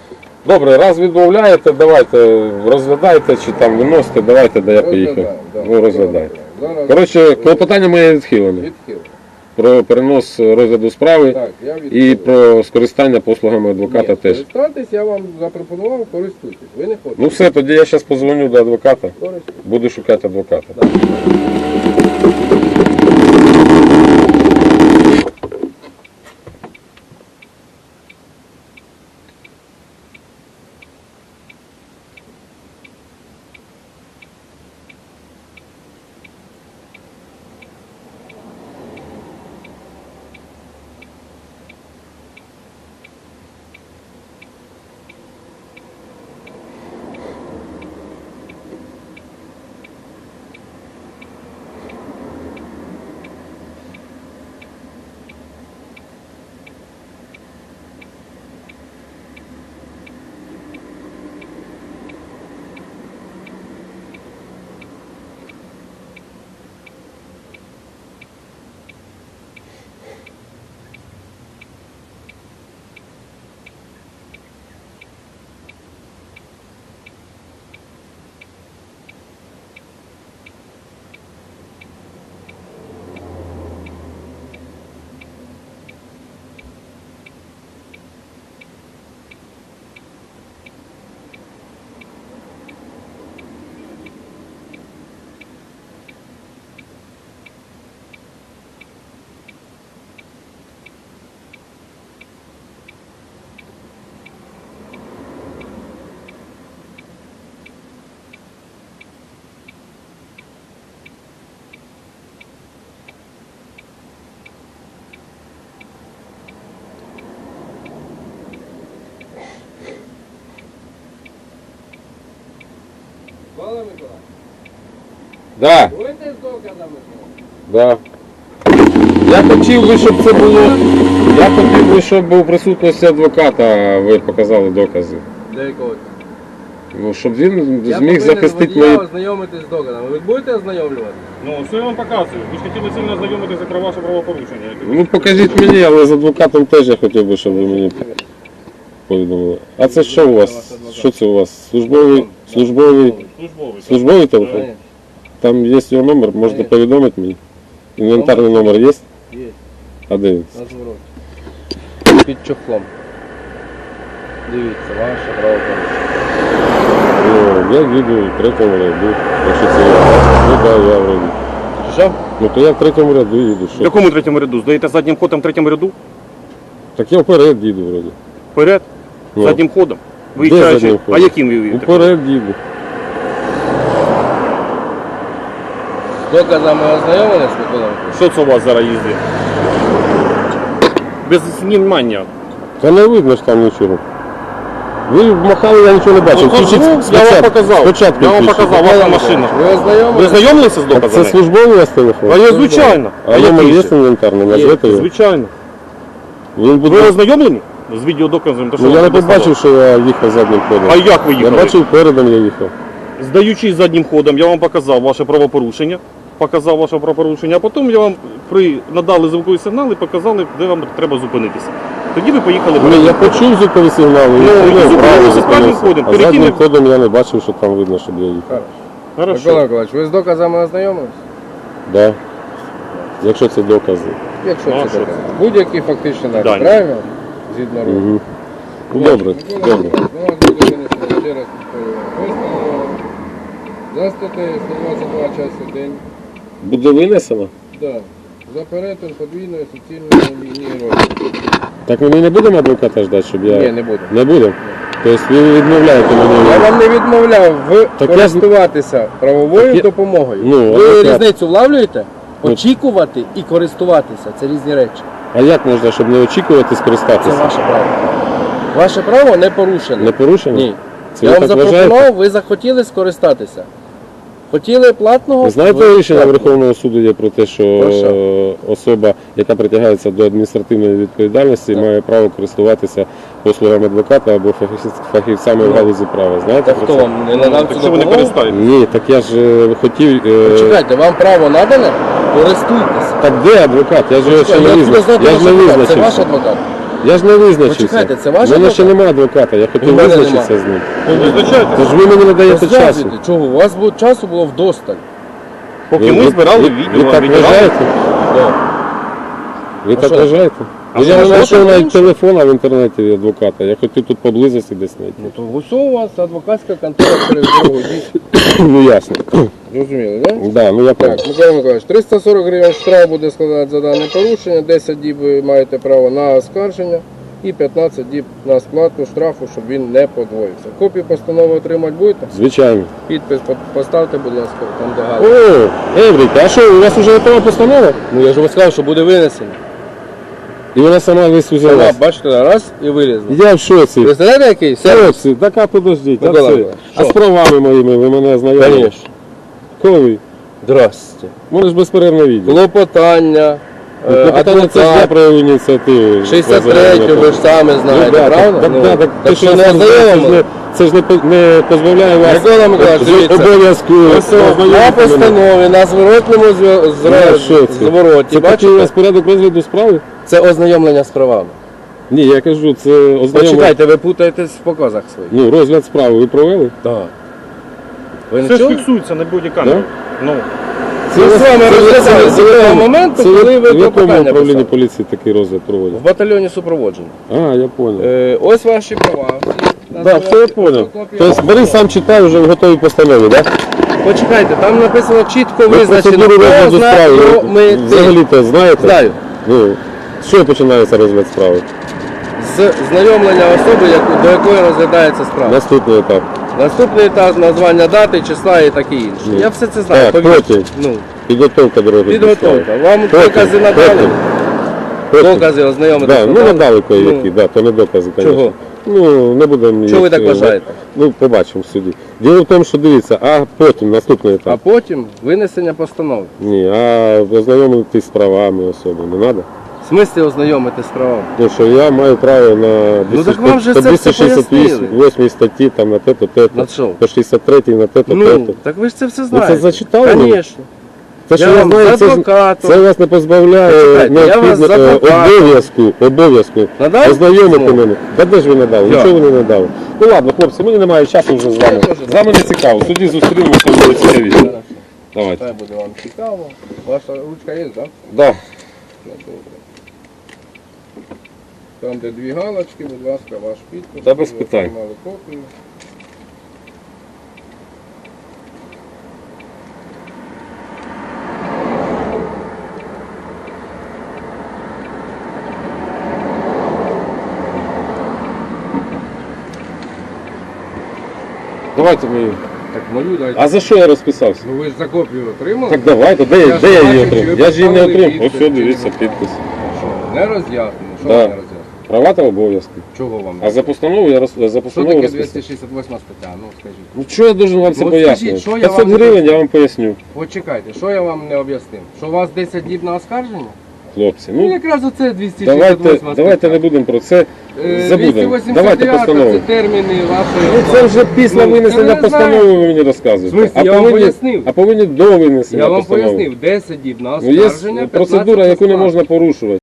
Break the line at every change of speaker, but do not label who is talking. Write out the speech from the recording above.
Добре, раз відмовляєте, давайте розглядайте, чи там виносите, давайте, де я поїхав. Ну, розглядайте. Коротше, клопотання моє відхилено. Про перенос розгляду справи і про скористання послугами адвоката теж.
Користуватись я вам запропонував, користуйтесь. Ви не хочете.
Ну все, тоді я зараз позвоню до адвоката, буду шукати адвоката.
Павло Миколаївич,
Да,
будете з доказами?
да. Я хотів би, щоб це було. Я хотів би, щоб у присутності адвоката ви показали докази.
Для якого?
Ну, щоб він
Я
зміг захистити
мої...
мої.
ознайомитись з доказами. Ви будете ознайомлювати?
Ну, все я вам показую. Ви ж хотіли сильно ознайомитися про ваше правопорушення.
Ну покажіть мені, але з адвокатом теж я хотів би, щоб ви мені повідомили. А це що у вас? Що це у вас? Службовий
Службовий.
телефон? Там є його номер, можете повідомити мені? Інвентарний номер є?
Є.
А де він?
На звороті. Під чохлом. Дивіться, ваше правопорушення.
Ну, я їду в третьому ряду. Якщо це я. Ну так, я вроді.
Що?
Ну то я в третьому ряду їду.
В
Що?
якому третьому ряду? Здаєте заднім ходом в третьому ряду?
Так я вперед їду вроді.
Вперед?
Ну.
Заднім ходом?
Де
Виїжджаючи?
заднім
А
ходом?
яким ви їдете?
Вперед їду.
З доказами ознайомились, Микола Миколаївич?
Що це у вас зараз їздить? Без знімання.
Та не видно ж там нічого. Ви махали, я нічого не бачив.
Ну,
Включіть
я вам
спочатку.
показав.
Спочатку
Я вам
включіть.
показав, ваша машина.
Ви
Ви
ознайомились?
знайомилися з
Так це
доказами?
службовий у вас телефон?
А я звичайно.
А номер
який
є
ще?
інвентарний? Назвете його?
Звичайно.
Він буде...
Ви ознайомлені з відеодоказом?
Ну я не побачив, що я їхав заднім ходом.
А як ви
Я
їхали?
бачив, передом я їхав.
Здаючись заднім ходом, я вам показав ваше правопорушення. А потім я вам надали звуковий сигнал і показали, де вам треба зупинитися. Тоді ви поїхали
Ні, я
вперед.
почув звукові сигнали,
Ну,
я
і
поняв, правильно
зупинилися заднім
зупинився.
ходом.
А
Перед
заднім
тим, як-
ходом я не бачив, що там видно, щоб я їхав.
Микола
Хорошо.
Миколаївич, ви з доказами ознайомились?
Да. Якщо це докази.
Якщо
Ну, а
це
що
докази. Будь-які фактичні докази,
Дані.
правильно? Згідно року.
Угу. Ну, добре, добре.
У нас буде винесено ще раз постанова за статтею 122 час в день.
Буде винесено?
Да. За перетин подвійної суцільної лінії розміру.
Так ми не будемо адвоката ждати, щоб я...
Ні, не буду.
Не будемо? Тобто ви відмовляєте мені?
Я вам не відмовляв
Так
користуватися правовою
Так я-
допомогою.
Ну,
Ви
адвокат.
різницю влавлюєте?
Ну.
Очікувати і користуватися це різні речі.
А як можна, щоб не очікувати
Це
скористатися?
ваше право. Ваше право не порушене.
Не порушено?
Ні.
Це
Я
ви
вам
так вважаєте?
запропонував, ви захотіли скористатися. Хотіли платного?
Ви знаєте, рішення
платного.
Верховного суду є про те, що
Про що?
особа, яка притягається до адміністративної відповідальності,
Так.
має право користуватися послугами адвоката або фахівцями в галузі права. Знаєте
Та
про
хто
це?
вам не надав цю
Якщо ви не
допомогу?
користаєтесь.
Ні, так я ж хотів...
Чекайте, вам право надане? Користуйтесь.
Так де адвокат? Я ж його ще
Я
не
откуда
визначив.
знати
Я ж
ваш
не
адвокат? Це ваш
визначився.
адвокат?
Я ж не визначився.
Почекайте, це ваш
У мене ще
адвокат?
немає адвоката, я хотів
У мене
визначитися з ним.
Визначайте.
Тож ви мені не даєте часу.
Розказуйте, чого? У вас часу було вдосталь.
Поки ми збирали
ви
відео,
так
відбирали.
вважаєте? Ви
А
так
що?
вважаєте?
А
Ну,
що,
я не
що
знайшов
таке
навіть
інше?
телефона в інтернеті від адвоката. Я хотів тут поблизості десь знайти.
Ну то ось у вас адвокатська контора через дорогу дійсно.
Ну ясно.
Зрозуміли, так?
Да, ну я
Так,
так.
Микола Миколаївич, 340 гривень штраф буде складати за дане порушення, 10 діб ви маєте право на оскарження і 15 діб на сплату штрафу, щоб він не подвоївся. Копію постанови отримати будете?
Звичайно.
Підпис поставте, будь ласка, там де галочка.
О, Еврика, а що, у вас вже готова постанова?
Ну я ж вам сказав, що буде винесено.
І вона сама весь
Сама,
взялась.
бачите, раз і вилізла.
Я в шоці.
Ви знаєте який?
Хлопці, так а подождіть, а
Микола
це?
Миколаївич,
А з
що?
правами моїми ви мене знайомі?
Конечно.
Коли?
Здрасте.
Може ж безперервно відео.
Клопотання,
Питання це ж я
адвокат,
проявив ініціативу.
63 ви ж самі знаєте, правда? Ну,
Так,
так
те,
що
що
не
я
ознайомили?
це ж не позбавляє вас
Микола Миколаївич,
з
дивіться.
обов'язку
Ось на
ознайомити мене.
постанові, на зворотному
Я в шоці.
звороті,
Це такий у вас
бачите?
порядок розгляду справи?
Це ознайомлення з правами.
Ні, я кажу, це ознайомлення.
Почекайте, ви путаєтесь в показах своїх.
Ну, розгляд справи ви провели?
Так. Ви не
Все ж
чули?
фіксується на бодікамері. Ну,
Ми з вами розглядали з того моменту,
це
коли ви
в якому
клопотання
управлінні
писали.
поліції такий розгляд проводять?
В батальйоні супроводження.
А, я зрозумів.
Ось ваші права.
Так, все я зрозумів. Тобто Борис сам читає вже в готовій постанові, так?
Почекайте, там написано чітко
Ви
визначено,
процедуру
хто
розгляду
знає,
справи
хто ми ти.
взагалі-то знаєте?
Знаю.
Ну, що починається розгляд справи?
З знайомлення особи, до якої розглядається справа.
Наступний етап.
Наступний етап названня дати, числа і таке інше.
Ну.
Я все це знаю.
Так,
повірте.
потім.
Ну,
Підготовка до розгляду
підготовка.
справи.
Вам
Потім,
докази надали?
потім.
Докази ознайомити.
Да, ну надали кое-які, да, то не докази, звісно.
Чого?
Ну, не будемо
Чого ви
їх,
так вважаєте?
Ну, побачимо в суді. Діло в тому, що дивіться, а потім, наступний
А
етап.
потім винесення постанови.
Ні, а ознайомитись з правами особи не треба.
В смислі ознайомити з правами?
Ну, що я маю право на
Ну, так вам же це все
268 статті, там, на те-то, те-то,
На що?
по 63 на те-то,
Ну,
те-то.
так ви ж це все
Ви
знаєте.
це зачитали? мені?
Звісно.
Те, що
Я
я
вам
знаю,
з
це
адвокатом.
вас не позбавляє
Почекайте, я вас з адвокатом.
обов'язку
Надав?
ознайомити
Ну.
мене. Та де ж ви надали?
Я.
Нічого ви не надали. Ну ладно, хлопці, мені немає часу вже з вами.
теж
З вами не цікаво. Тоді зустрінемося, буде цікавіше.
Хорошо.
Давайте.
Хай буде вам цікаво. Ваша ручка є, так?
Да.
Там, де дві галочки, будь ласка, ваш підпис.
Та без
Ви
питань.
отримали копію.
Давайте мені.
Так, мою дайте.
А за що я розписався?
Ну ви ж за копію отримали?
Так давайте, де
Я
я
ж
її
бачу,
отримав?
що ви
Я ж її не
поставили
отримав. Ось
підпис,
все,
чи
дивіться,
не
підпис.
Що, не роз'яснено? Що
Да.
ви не роз'яснено?
Права та обов'язки.
Чого вам?
А за постанову я за
Що
постанову
таке
розписав.
268 стаття? Ну скажіть.
Ну що я должен вам це
От скажіть,
пояснювати?
що я
500
вам не
гривень я
поясню?
вам поясню.
Почекайте, що я вам не об'яснив? Що у вас 10 діб на оскарження?
Хлопці,
Ну
ну
якраз оце 268
давайте не будемо про це. Забудемо.
289
Давайте постанову.
це терміни вашої...
Ну це вже після
Ну,
винесення
це ви
постанови
знаєте.
ви мені розказуєте.
В смислі, я вам пояснив.
А повинні до винесення
Я вам
постанови.
пояснив, 10 діб на
Ну є
оскарження, 15
процедура, яку не
сплати.
можна порушувати.